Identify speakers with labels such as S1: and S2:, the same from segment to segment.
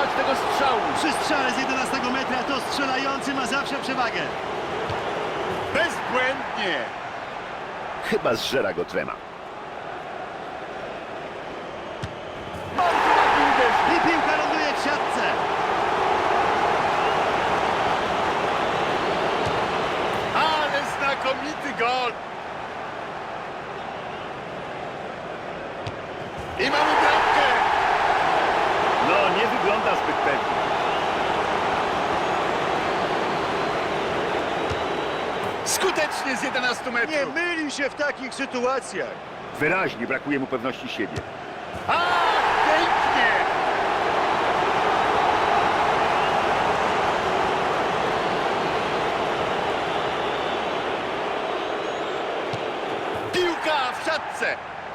S1: zatrzymać tego strzału.
S2: Przy strzale z 11 metra to strzelający ma zawsze przewagę.
S1: Bezbłędnie.
S3: Chyba zżera go trema.
S1: Bardzo ładnie uderzył.
S2: I piłka ląduje w siatce.
S1: Ale znakomity gol. I mamy bramkę.
S3: No, nie wygląda zbyt pewnie.
S1: Skutecznie z 11 metrów.
S2: Nie myli się w takich sytuacjach.
S3: Wyraźnie brakuje mu pewności siebie.
S1: A, pięknie. Piłka w siatce.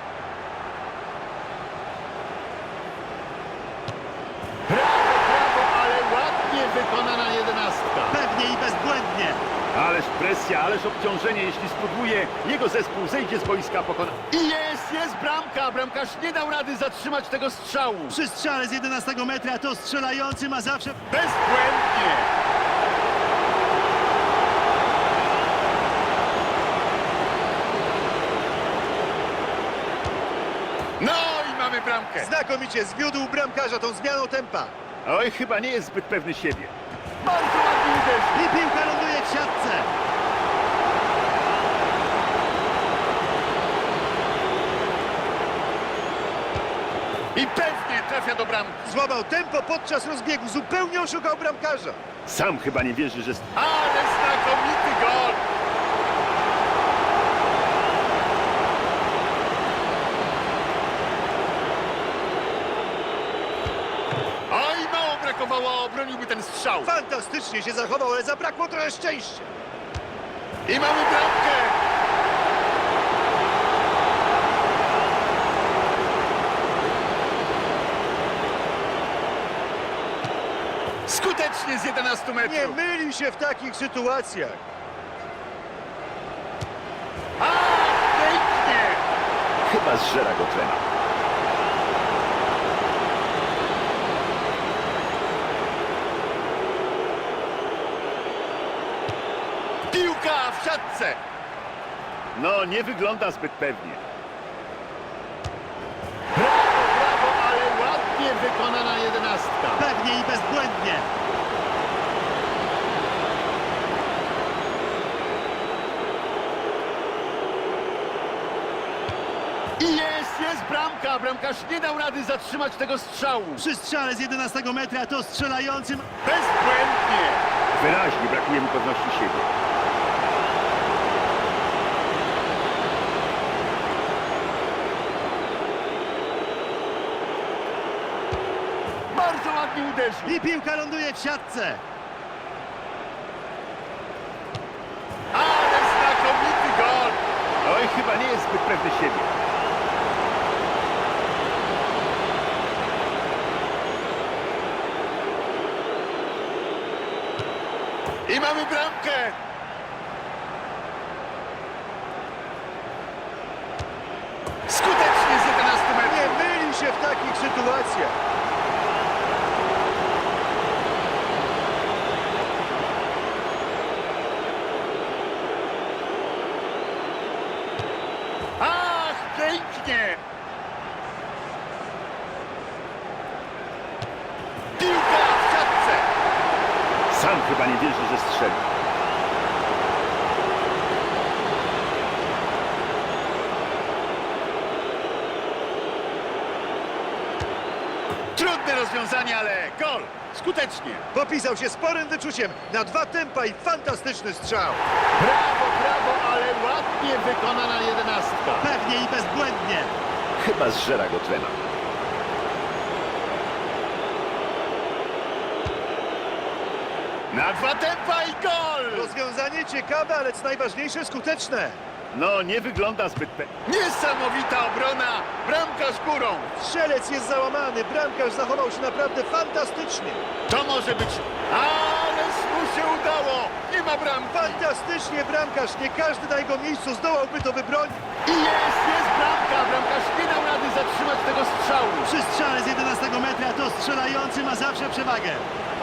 S1: Brawo, ale ładnie wykonana 11.
S2: Pewnie i bezbłędnie.
S3: Ależ presja, ależ obciążenie. Jeśli spróbuje, jego zespół zejdzie z boiska pokona.
S1: I jest bramka. Bramkarz nie dał rady zatrzymać tego strzału.
S2: Przy strzale z 11 metra to strzelający ma zawsze...
S1: Bezbłędnie. No i mamy bramkę.
S2: Znakomicie zwiódł bramkarza tą zmianą tempa.
S3: Oj, chyba nie jest zbyt pewny siebie.
S1: Bardzo ładnie uderzył.
S2: I piłka ląduje w siatce.
S1: I pewnie trafia do bramki.
S2: Złamał tempo podczas rozbiegu. Zupełnie oszukał bramkarza.
S3: Sam chyba nie wierzy, że...
S1: Ale znakomity gol. Oj, mało brakowało, obroniłby ten strzał.
S2: Fantastycznie się zachował, ale zabrakło trochę szczęścia.
S1: I mamy bramkę. Skutecznie z 11
S2: Nie
S1: metrów.
S2: myli się w takich sytuacjach.
S1: A, pięknie.
S3: Chyba zżera go trema.
S1: Piłka w siatce.
S3: No, nie wygląda zbyt pewnie.
S1: Brawo, ale ładnie wykonana 11.
S2: Pewnie i bezbłędnie.
S1: I jest bramka. Bramkarz nie dał rady zatrzymać tego strzału.
S2: Przy strzale z 11 metra to strzelającym...
S1: Bezbłędnie.
S3: Wyraźnie brakuje mu pewności siebie.
S1: Bardzo ładnie uderzył.
S2: I piłka ląduje w siatce.
S1: Ale znakomity gol.
S3: Oj, chyba nie jest zbyt pewny siebie.
S1: I mamy bramkę. Skutecznie z 11
S2: Nie
S1: metrów.
S2: myli się w takich sytuacjach.
S1: Ach, pięknie. Piłka w siatce.
S3: Sam chyba nie wierzy, że strzeli.
S1: Trudne rozwiązanie, ale gol. Skutecznie.
S2: Popisał się sporym wyczuciem. Na 2 tempa i fantastyczny strzał.
S1: Brawo, ale ładnie wykonana 11.
S2: Pewnie i bezbłędnie.
S3: Chyba zżera go trema.
S1: Na 2 tempa i gol.
S2: Rozwiązanie ciekawe, ale co najważniejsze skuteczne.
S3: No, nie wygląda zbyt pewnie.
S1: Niesamowita obrona. Bramkarz górą.
S2: Strzelec jest załamany. Bramkarz zachował się naprawdę fantastycznie.
S1: To może być... Ależ mu się udało. Nie ma bramki.
S2: Fantastycznie bramkarz. Nie każdy na jego miejscu zdołałby to wybronić.
S1: I jest bramka. Bramkarz nie dał rady zatrzymać tego strzału.
S2: Przy strzale z 11 metra to Strzelający ma zawsze przewagę.